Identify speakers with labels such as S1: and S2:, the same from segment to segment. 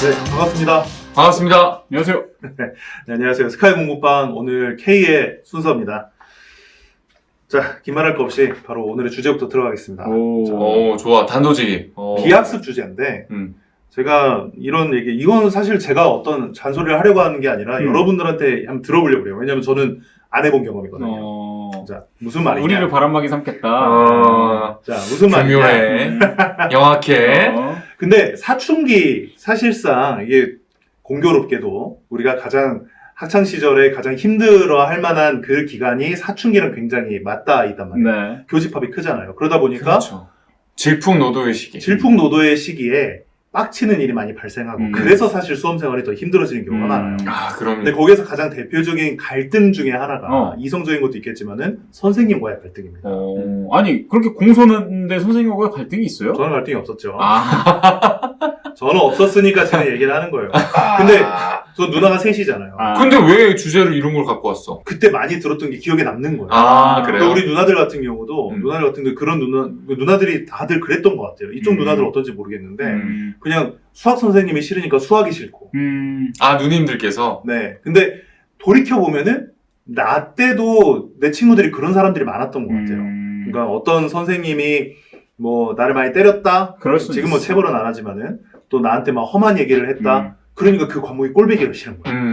S1: 네, 반갑습니다.
S2: 반갑습니다.
S3: 안녕하세요.
S1: 네, 안녕하세요. 스카이 공부방 오늘 K의 순서입니다. 자, 긴말할 거 없이 바로 오늘의 주제부터 들어가겠습니다.
S2: 오, 좋아. 단도직입.
S1: 비학습 주제인데 제가 이런 얘기, 이건 사실 제가 어떤 잔소리를 하려고 하는 게 아니라 여러분들한테 한번 들어보려고 해요. 왜냐면 저는 안 해본 경험이거든요. 자, 무슨 말이냐.
S3: 우리를 바람막이 삼겠다.
S1: 자, 무슨 말이냐.
S2: 교묘해. 영악해.
S1: 근데 사춘기, 사실상 이게 공교롭게도 우리가 가장 학창시절에 가장 힘들어 할 만한 그 기간이 사춘기랑 굉장히 맞닿아 있단 말이에요.
S3: 네.
S1: 교집합이 크잖아요. 그러다 보니까
S2: 그렇죠. 질풍노도의 시기.
S1: 질풍노도의 시기에 빡치는 일이 많이 발생하고 그래서 사실 수험생활이 더 힘들어지는 경우가 많아요.
S2: 아, 그럼요.
S1: 근데 거기에서 가장 대표적인 갈등 중에 하나가 이성적인 것도 있겠지만은 선생님과의 갈등입니다.
S3: 아니 그렇게 공손한데 선생님과의 갈등이 있어요?
S1: 저는 갈등이 없었죠.
S3: 아,
S1: 저는 없었으니까 제가 얘기를 하는 거예요. 근데 저 누나가 셋이잖아요.
S2: 근데 왜 주제로 이런 걸 갖고 왔어?
S1: 그때 많이 들었던 게 기억에 남는 거예요.
S2: 아, 그래요?
S1: 그러니까 우리 누나들 같은 경우도 누나들 같은 경우 그런 누나들이 다들 그랬던 것 같아요. 이쪽 누나들 어떤지 모르겠는데 그냥 수학 선생님이 싫으니까 수학이 싫고.
S2: 아, 누님들께서?
S1: 네. 근데 돌이켜 보면은 나 때도 내 친구들이 그런 사람들이 많았던 것 같아요. 그러니까 어떤 선생님이 뭐 나를 많이 때렸다. 지금 뭐 체벌은 안 하지만은 또 나한테 막 험한 얘기를 했다. 그러니까 그 과목이 꼴보기가 싫은 거예요.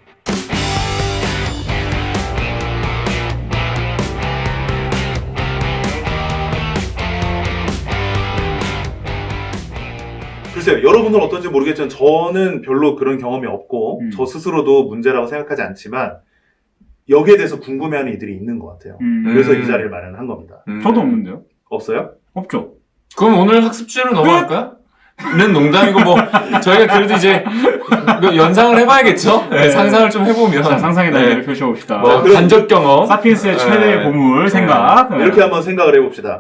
S1: 글쎄요, 여러분들은 어떤지 모르겠지만 저는 별로 그런 경험이 없고 저 스스로도 문제라고 생각하지 않지만 여기에 대해서 궁금해하는 이들이 있는 것 같아요. 그래서 이 자리를 마련한 겁니다.
S3: 저도 없는데요?
S1: 없어요?
S3: 없죠.
S2: 그럼 오늘 학습 주제로 넘어갈까요? 는 농담이고 뭐 저희가 그래도 이제 연상을 해봐야겠죠? 네, 상상을 좀 해보면
S3: 자, 상상의 날개를 펼쳐봅시다.
S2: 뭐 간접 경험
S3: 사피엔스의 최대의 보물 생각
S1: 이렇게 한번 생각을 해봅시다.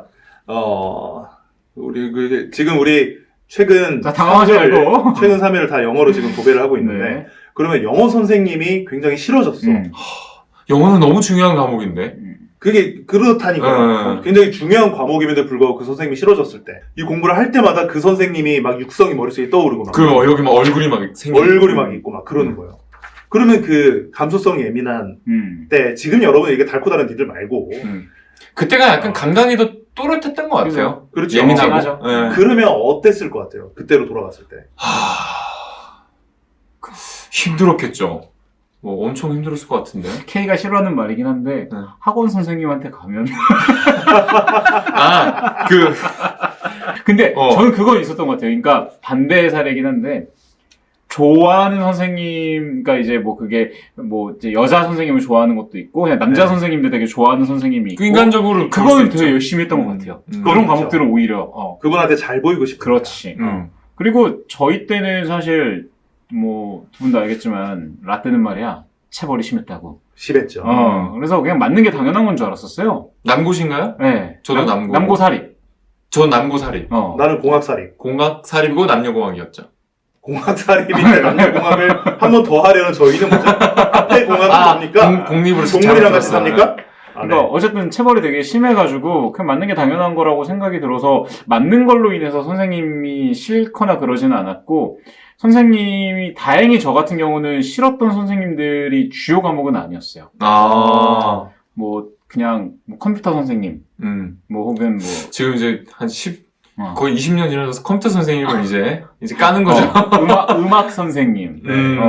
S1: 지금 우리 최근
S3: 자, 당황하지 말고
S1: 최근 3회를 다 영어로 지금 도배를 하고 있는데 그러면 영어 선생님이 굉장히 싫어졌어.
S2: 영어는 너무 중요한 과목인데
S1: 그게 그렇다니까요. 굉장히 중요한 과목임에도 불구하고 그 선생님이 싫어졌을 때 이 공부를 할 때마다 그 선생님이 막 육성이 머릿속에 떠오르고 막
S2: 여기 막 얼굴이 막 생기고
S1: 얼굴이 막 있고 막 그러는 거예요. 그러면 그 감수성이 예민한 때 지금 여러분 이게 달고 다른 니들 말고
S2: 그때가 약간 감각이 더 또렷했던 것 같아요.
S1: 그렇죠.
S2: 예민하죠.
S1: 그러면 어땠을 것 같아요? 그때로 돌아갔을 때.
S2: 힘들었겠죠. 뭐 엄청 힘들었을 것 같은데.
S3: K가 싫어하는 말이긴 한데 학원 선생님한테 가면 근데 저는 그건 있었던 것 같아요. 그러니까 반대의 사례긴 한데 좋아하는 선생님, 그러니까 이제 뭐 그게 뭐 이제 여자 선생님을 좋아하는 것도 있고 그냥 남자 선생님들 되게 좋아하는 선생님이 있고
S2: 인간적으로
S3: 그거는 되게 열심히 했던 것 같아요. 그런 과목들은 오히려
S1: 그분한테 잘 보이고 싶은
S3: 그렇지. 그리고 저희 때는 사실 뭐 두 분 다 알겠지만 라떼는 말이야 체벌이 심했다고.
S1: 심했죠.
S3: 그래서 그냥 맞는 게 당연한 건 줄 알았었어요.
S2: 남고신가요?
S3: 네.
S2: 저도 남고.
S3: 남고사립.
S2: 전 남고사립.
S1: 나는 공학사립.
S2: 공학사립이고 남녀공학이었죠.
S1: 공학사립인데 남녀공학을 한 번 더 하려는 저희는 뭐죠? 앞에 공학은 뭡니까?
S2: 공립으로
S1: 동물이랑 같이 삽니까?
S3: 그러니까 어쨌든 체벌이 되게 심해가지고 그냥 맞는 게 당연한 거라고 생각이 들어서 맞는 걸로 인해서 선생님이 싫거나 그러지는 않았고 선생님이 다행히 저 같은 경우는 싫었던 선생님들이 주요 과목은 아니었어요. 뭐 그냥 뭐 컴퓨터 선생님, 뭐 혹은 뭐
S2: 지금 이제 한 거의 20년 지나서 컴퓨터 선생님을 이제 까는 거죠.
S3: 음악 선생님.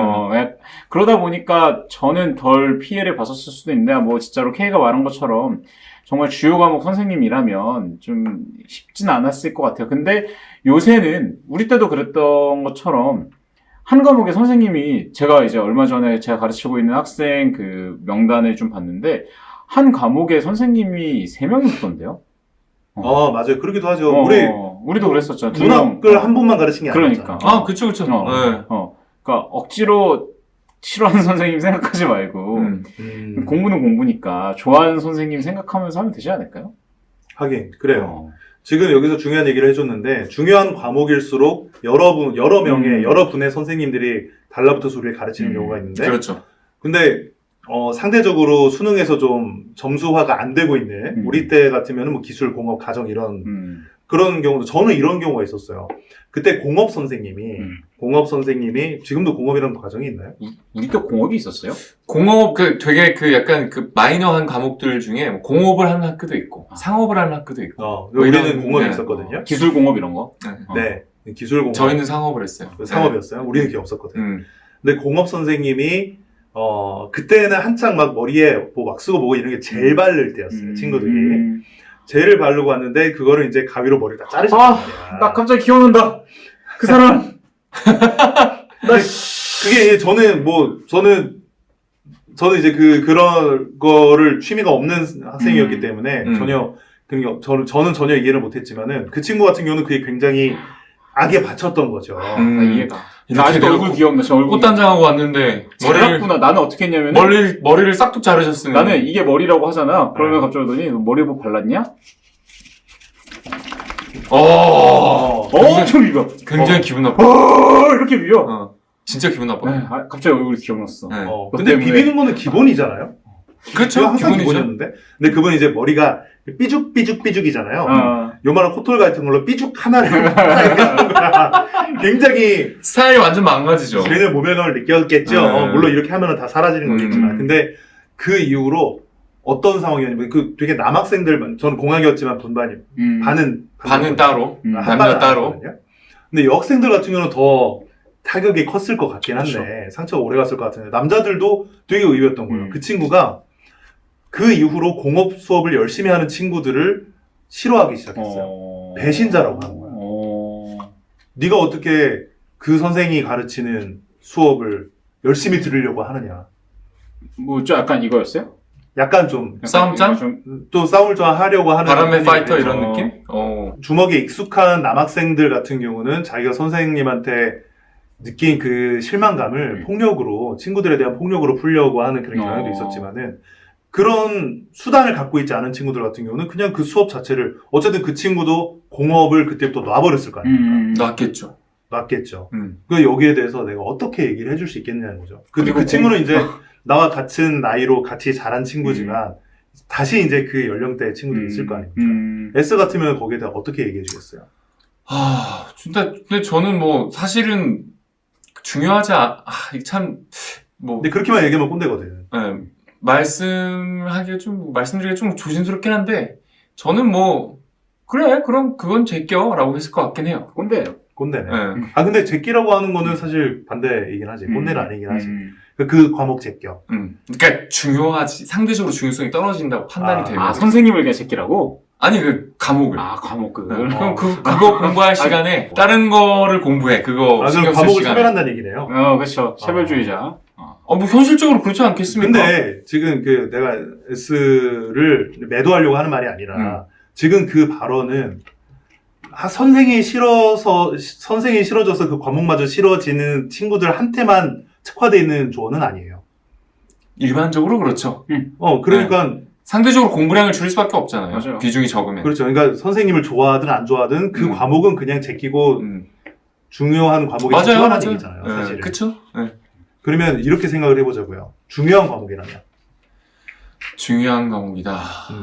S3: 그러다 보니까 저는 덜 피해를 봤었을 수도 있는데, 뭐 진짜로 K가 말한 것처럼 정말 주요 과목 선생님이라면 좀 쉽진 않았을 것 같아요. 근데 요새는 우리 때도 그랬던 것처럼 한 과목의 선생님이 제가 이제 얼마 전에 제가 가르치고 있는 학생 그 명단을 좀 봤는데 한 과목의 선생님이 3명이 있던데요.
S1: 맞아요. 그러기도 하죠.
S3: 우리도 그랬었죠.
S1: 문학을 한 분만 가르친 게 아니잖아요.
S3: 그러니까.
S2: 그쵸.
S3: 그러니까 억지로 싫어하는 선생님 생각하지 말고 공부는 공부니까 좋아하는 선생님 생각하면서 하면 되지 않을까요?
S1: 하긴 그래요. 지금 여기서 중요한 얘기를 해줬는데 중요한 과목일수록 여러 분의 선생님들이 달라붙어서 우리를 가르치는 경우가 있는데
S2: 그렇죠.
S1: 근데 상대적으로 수능에서 좀 점수화가 안 되고 있는 우리 때 같으면 뭐 기술, 공업, 가정 이런 그런 경우도 저는 이런 경우가 있었어요. 그때 공업 선생님이 공업 선생님이 지금도 공업이라는 과정이 있나요?
S3: 우리 때 공업이 있었어요?
S2: 공업, 되게 약간 마이너한 과목들 중에 뭐 공업을 하는 학교도 있고, 상업을 하는 학교도 있고. 뭐
S1: 우리는
S2: 이런,
S1: 공업이
S2: 네.
S1: 있었거든요.
S3: 기술 공업 이런 거?
S1: 네. 기술 공업.
S2: 저희는 상업을 했어요.
S1: 상업이었어요. 우리는 그게 없었거든요.
S2: 네.
S1: 근데 공업 선생님이 그때는 한창 막 머리에 뭐 왁스고 뭐고 이런 게 젤 바를 때였어요. 친구들이. 젤을 바르고 왔는데 그거를 이제 가위로 머리를 다 자르셨단 말이야.
S3: 나 갑자기 기억난다. 그 사람.
S1: 그게 저는 이제 그런 거를 취미가 없는 학생이었기 때문에 저는 전혀 이해를 못했지만은 그 친구 같은 경우는 그게 굉장히 악에 바쳤던 거죠.
S3: 이해가. 나
S2: 이렇게
S3: 아직도 얼굴 기억나. 저 얼굴.
S2: 꽃단장하고 왔는데
S3: 잘랐구나. 나는 어떻게 했냐면
S2: 머리를 싹둑 자르셨으면
S3: 나는 이게 머리라고 하잖아. 그러면 갑자기 오더니 머리 뭐 발랐냐? 엄청 비벼.
S2: 굉장히 기분 나빠.
S3: 이렇게 비벼.
S2: 진짜 기분 나빠.
S3: 네, 갑자기 얼굴이 기억났어.
S2: 네.
S1: 근데
S3: 때문에.
S1: 비비는 거는 기본이잖아요.
S2: 그렇죠.
S1: 항상
S2: 기본이죠.
S1: 기본이었는데. 근데 그분은 이제 머리가 삐죽삐죽삐죽이잖아요. 요만한 코털 같은 걸로 삐죽 하나를 이렇게 하는 거야. 굉장히
S2: 스타일이 완전 망가지죠.
S1: 걔는 모멸감을 느꼈겠죠. 물론 이렇게 하면 다 사라지는 거겠지만. 근데 그 이후로 어떤 상황이었냐면 되게 남학생들 저는 공학이었지만 반은
S2: 따로,
S1: 한
S2: 남녀 따로.
S1: 아니거든요. 근데 여학생들 같은 경우는 더 타격이 컸을 것 같긴 한데
S3: 그렇죠.
S1: 상처가 오래 갔을 것 같은데 남자들도 되게 의외였던 거예요. 그 친구가 그 이후로 공업 수업을 열심히 하는 친구들을 싫어하기 시작했어요. 배신자라고 하는 거야. 네가 어떻게 그 선생이 가르치는 수업을 열심히 들으려고 하느냐.
S3: 뭐 좀 약간 이거였어요?
S1: 약간 좀
S2: 싸움짱?
S1: 또 싸움을 좀 하려고 하는
S2: 바람의 파이터
S1: 그래서
S2: 이런 느낌?
S1: 주먹에 익숙한 남학생들 같은 경우는 자기가 선생님한테 느낀 그 실망감을 폭력으로 친구들에 대한 폭력으로 풀려고 하는 그런 경향도 있었지만은 그런 수단을 갖고 있지 않은 친구들 같은 경우는 그냥 그 수업 자체를 어쨌든 그 친구도 공업을 그때부터 놔버렸을 거 아닙니까? 놨겠죠. 그 여기에 대해서 내가 어떻게 얘기를 해줄 수 있겠냐는 거죠. 근데 그 친구는 이제 나와 같은 나이로 같이 자란 친구지만 다시 이제 그 연령대의 친구들이 있을 거 아닙니까? S 같으면 거기에 대해 어떻게 얘기해 주겠어요?
S2: 근데 저는 뭐 사실은 중요하지
S1: 근데 그렇게만 얘기하면 꼰대거든.
S2: 말씀드리기 좀 조심스럽긴 한데 저는 뭐 그래 그럼 그건 제껴라고 했을 것 같긴 해요.
S1: 꼰대네. 근데 제끼라고 하는 거는 사실 반대이긴 하지. 꼰대는 아니긴 하지. 그 과목 제껴.
S2: 그러니까 상대적으로 중요성이 떨어진다고 판단이 되면.
S3: 선생님을 그냥 제끼라고?
S2: 아니, 과목을.
S3: 과목을.
S2: 그럼 그거 공부할 시간에 다른 거를 공부해. 그거
S1: 그럼
S2: 신경 쓸
S1: 과목을
S2: 시간에.
S1: 차별한다는 얘기네요.
S3: 그렇죠. 차별주의자.
S2: 뭐 현실적으로 그렇지 않겠습니까?
S1: 근데 지금 내가 S를 매도하려고 하는 말이 아니라 지금 그 발언은 선생이 싫어져서 그 과목마저 싫어지는 친구들한테만 특화되어 있는 조언은 아니에요.
S2: 일반적으로 그렇죠.
S1: 그러니까
S2: 상대적으로 공부량을 줄일 수밖에 없잖아요.
S3: 맞아요.
S2: 비중이 적으면.
S1: 그렇죠. 그러니까 선생님을 좋아하든 안 좋아하든 그 과목은 그냥 제끼고 중요한 과목에 집중하는 얘기잖아요. 사실은.
S2: 그렇죠.
S1: 그러면 이렇게 생각을 해보자고요. 중요한 과목이라면.
S2: 중요한 과목이다.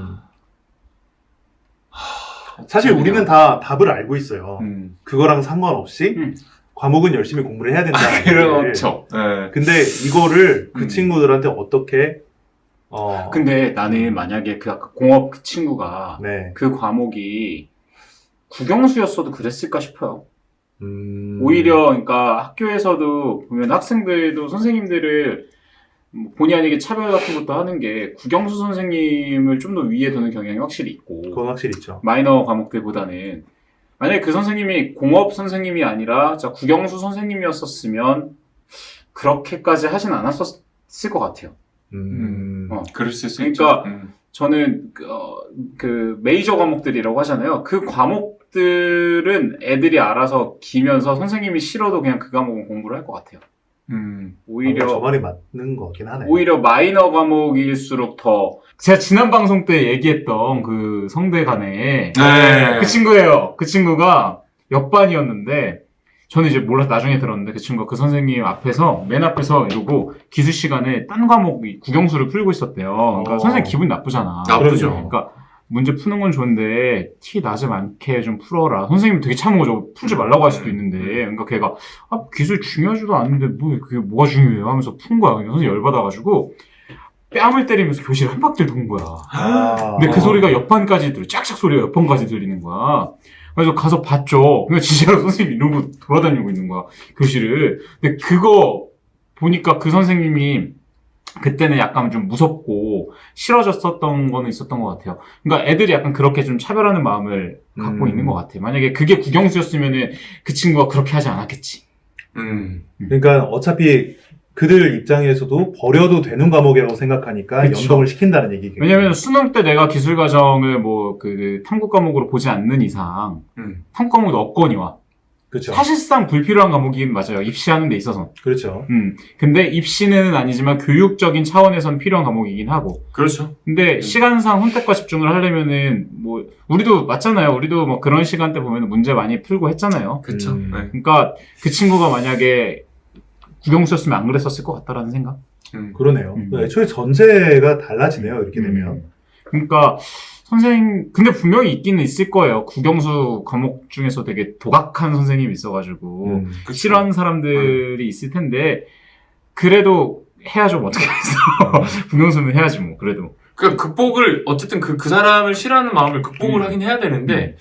S1: 사실 우리는 다 답을 알고 있어요. 그거랑 상관없이 과목은 열심히 공부를 해야 된다.
S2: 그렇죠.
S1: 근데 이거를 그 친구들한테 어떻게
S3: 근데 나는 만약에 그 아까 공업 그 친구가
S1: 네.
S3: 그 과목이 국영수였어도 그랬을까 싶어요. 오히려 그러니까 학교에서도 보면 학생들도 선생님들을 본의 아니게 차별 같은 것도 하는 게 국영수 선생님을 좀 더 위에 두는 경향이 확실히 있고
S1: 그건 확실히 있죠.
S3: 마이너 과목들보다는 만약에 그 선생님이 공업 선생님이 아니라 국영수 선생님이었었으면 그렇게까지 하진 않았었을 것 같아요.
S2: 그럴 수
S3: 그러니까
S2: 있죠.
S3: 저는 그 메이저 과목들이라고 하잖아요. 그 과목들은 애들이 알아서 기면서 선생님이 싫어도 그냥 그 과목은 공부를 할 것 같아요. 오히려
S1: 저 말이 맞는 거긴 하네.
S3: 오히려 마이너 과목일수록 더 제가 지난 방송 때 얘기했던 그 성대 간에 그 친구예요. 그 친구가 옆반이었는데 저는 이제 몰라서 나중에 들었는데 그 친구가 그 선생님 앞에서 맨 앞에서 이러고 기수 시간에 딴 과목 국영수를 풀고 있었대요. 그러니까 선생님 기분 나쁘잖아.
S2: 나쁘죠.
S3: 그러니까 문제 푸는 건 좋은데 티 나지 않게 좀 풀어라. 선생님 되게 참은 거죠. 풀지 말라고 할 수도 있는데. 그러니까 걔가 기술 중요하지도 않은데 뭐 그게 뭐가 중요해요 하면서 푼 거야. 그냥 선생님 열받아가지고 뺨을 때리면서 교실 한 바퀴를 도는 거야. 근데 그 소리가 옆판까지 짝짝 소리가 옆판까지 들리는 거야. 그래서 가서 봤죠. 그러니까 진짜로 선생님이 이러고 돌아다니고 있는 거야, 교실을. 근데 그거 보니까 그 선생님이 그때는 약간 좀 무섭고 싫어졌었던 거는 있었던 것 같아요. 그러니까 애들이 약간 그렇게 좀 차별하는 마음을 갖고 있는 것 같아요. 만약에 그게 국영수였으면은 그 친구가 그렇게 하지 않았겠지.
S1: 그러니까 어차피 그들 입장에서도 버려도 되는 과목이라고 생각하니까
S3: 그쵸.
S1: 연동을 시킨다는 얘기겠죠.
S3: 왜냐면 수능 때 내가 기술 과정을 뭐 그 탐구 과목으로 보지 않는 이상 탐구 과목도 없거니와
S1: 그렇죠.
S3: 사실상 불필요한 과목이긴 맞아요. 입시하는 데 있어서.
S1: 그렇죠.
S3: 근데 입시는 아니지만 교육적인 차원에선 필요한 과목이긴 하고.
S2: 그렇죠.
S3: 근데 시간상 선택과 집중을 하려면은 뭐 우리도 맞잖아요. 우리도 뭐 그런 시간대 보면 문제 많이 풀고 했잖아요.
S2: 그렇죠. 네.
S3: 그러니까 그 친구가 만약에 국영수였으면 안 그랬었을 것 같다라는 생각.
S1: 그러네요. 애초에 전제가 달라지네요. 이렇게 되면.
S3: 그러니까 근데 분명히 있기는 있을 거예요. 국영수 과목 중에서 되게 도각한 선생님이 있어가지고 싫어하는 사람들이 있을 텐데 그래도 해야죠. 뭐 어떻게 해서 국영수는 해야지 뭐 그래도.
S2: 그러니까 극복을 어쨌든 그 사람을 싫어하는 마음을 극복을 하긴 해야 되는데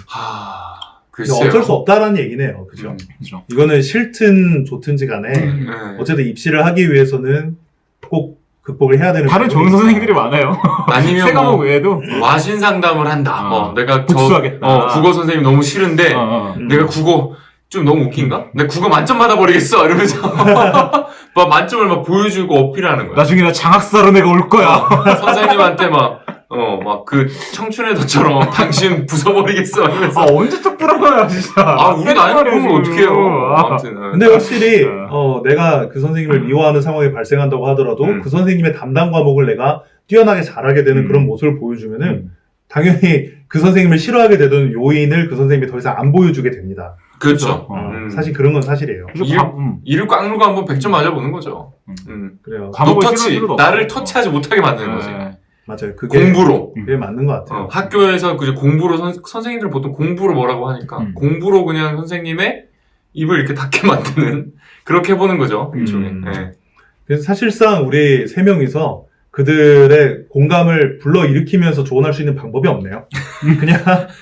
S2: 글쎄요.
S1: 어쩔 수 없다라는 얘기네요. 그죠?
S3: 그죠.
S1: 이거는 싫든 좋든지 간에 어쨌든 입시를 하기 위해서는 꼭 극복을 해야 되는
S3: 다른 좋은 선생님들이 많아요.
S2: 아니면
S3: 세 과목 외에도
S2: 와신 상담을 한다. 내가
S3: 복수하겠다.
S2: 국어 선생님 너무 싫은데 내가 국어 좀 너무 웃긴가? 내가 국어 만점 받아버리겠어 이러면서 막 만점을 막 보여주고 어필하는 거야.
S3: 나중에 나 장학사로 내가 올 거야.
S2: 선생님한테 막 그 청춘의 덫처럼 당신 부숴버리겠어 이러면서
S3: 언제 또 부러워요 진짜.
S2: 우리 나이 먹으면 어떡해요. 아무튼
S1: 근데 확실히 내가 그 선생님을 미워하는 상황이 발생한다고 하더라도 그 선생님의 담당 과목을 내가 뛰어나게 잘하게 되는 그런 모습을 보여주면은 당연히 그 선생님을 싫어하게 되던 요인을 그 선생님이 더 이상 안 보여주게 됩니다.
S2: 그렇죠.
S1: 사실 그런 건 사실이에요.
S2: 이를 꽉 누르고 한번 100점 맞아보는 거죠.
S1: 그래요.
S2: 나를 터치하지 못하게 만드는 거지.
S1: 맞아요. 그게
S2: 공부로.
S1: 그게 맞는 것 같아요.
S2: 학교에서 그저 공부로 선생님들 보통 공부로 뭐라고 하니까 공부로 그냥 선생님의 입을 이렇게 닫게 만드는 그렇게 해보는 거죠. 일종의. 네.
S1: 그래서 사실상 우리 세 명이서 그들의 공감을 불러일으키면서 조언할 수 있는 방법이 없네요. 그냥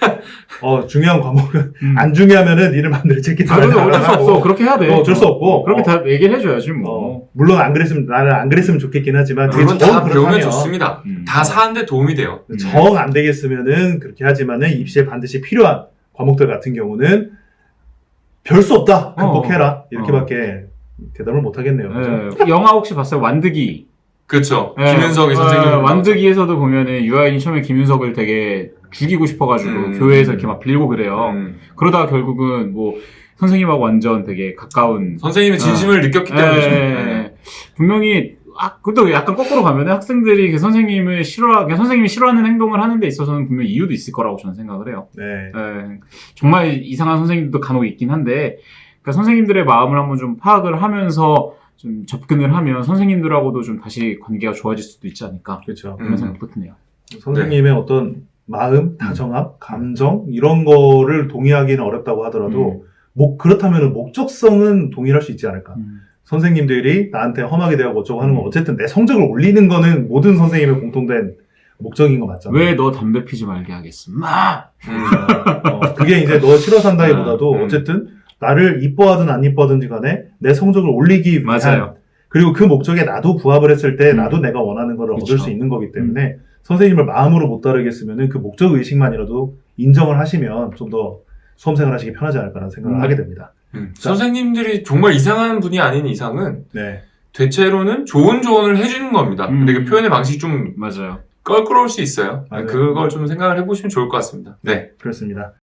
S1: 중요한 과목은 안 중요하면은 니를 마음대로 제끼
S3: 어쩔 수 없어. 그렇게 해야 돼.
S1: 어쩔 수 없고
S3: 그렇게 다 얘기를 해줘야지 뭐.
S1: 물론 나는 안 그랬으면 좋겠긴 하지만
S2: 물론 다 배우면 좋습니다. 다 사는데 도움이 돼요.
S1: 정 안 되겠으면은 그렇게 하지만은 입시에 반드시 필요한 과목들 같은 경우는 별 수 없다. 극복해라. 이렇게밖에 대답을 못 하겠네요.
S3: 네. 영화 혹시 봤어요? 완득이.
S2: 그렇죠. 김윤석이 선생님.
S3: 완득이에서도 보면은 유아인이 처음에 김윤석을 되게 죽이고 싶어가지고 교회에서 이렇게 막 빌고 그래요. 그러다가 결국은 뭐 선생님하고 완전 되게 가까운
S2: 선생님의 진심을 느꼈기 때문이죠. 네.
S3: 분명히 그것도 약간 거꾸로 가면은 학생들이 그 선생님이 싫어하는 행동을 하는 데 있어서는 분명 이유도 있을 거라고 저는 생각을 해요.
S1: 네.
S3: 정말 이상한 선생님들도 간혹 있긴 한데 그러니까 선생님들의 마음을 한번 좀 파악을 하면서 좀 접근을 하면 선생님들하고도 좀 다시 관계가 좋아질 수도 있지 않을까.
S1: 그렇죠.
S3: 그런 생각도 드네요.
S1: 선생님의 어떤 마음, 다정함, 감정 이런 거를 동의하기는 어렵다고 하더라도 그렇다면 목적성은 동의할 수 있지 않을까. 선생님들이 나한테 험하게 대하고 어쩌고 하는 건 어쨌든 내 성적을 올리는 거는 모든 선생님의 공통된 목적인 거 맞잖아요.
S3: 왜 너 담배 피지 말게 하겠어?
S1: 그게 이제 너 싫어 산다기보다도 어쨌든 나를 이뻐하든 안 이뻐하든지 간에 내 성적을 올리기 위한
S3: 맞아요.
S1: 그리고 그 목적에 나도 부합을 했을 때 나도 내가 원하는 걸 얻을 수 있는 거기 때문에 선생님을 마음으로 못 따르겠으면은 그 목적 의식만이라도 인정을 하시면 좀 더 수험생활 하시기 편하지 않을까라는 생각을 하게 됩니다.
S2: 선생님들이 정말 이상한 분이 아닌 이상은
S1: 네.
S2: 대체로는 좋은 조언을 해주는 겁니다. 근데 그 표현의 방식이 좀
S3: 맞아요.
S2: 껄끄러울 수 있어요.
S1: 맞아요.
S2: 그걸 좀 생각을 해보시면 좋을 것 같습니다. 네.
S1: 그렇습니다.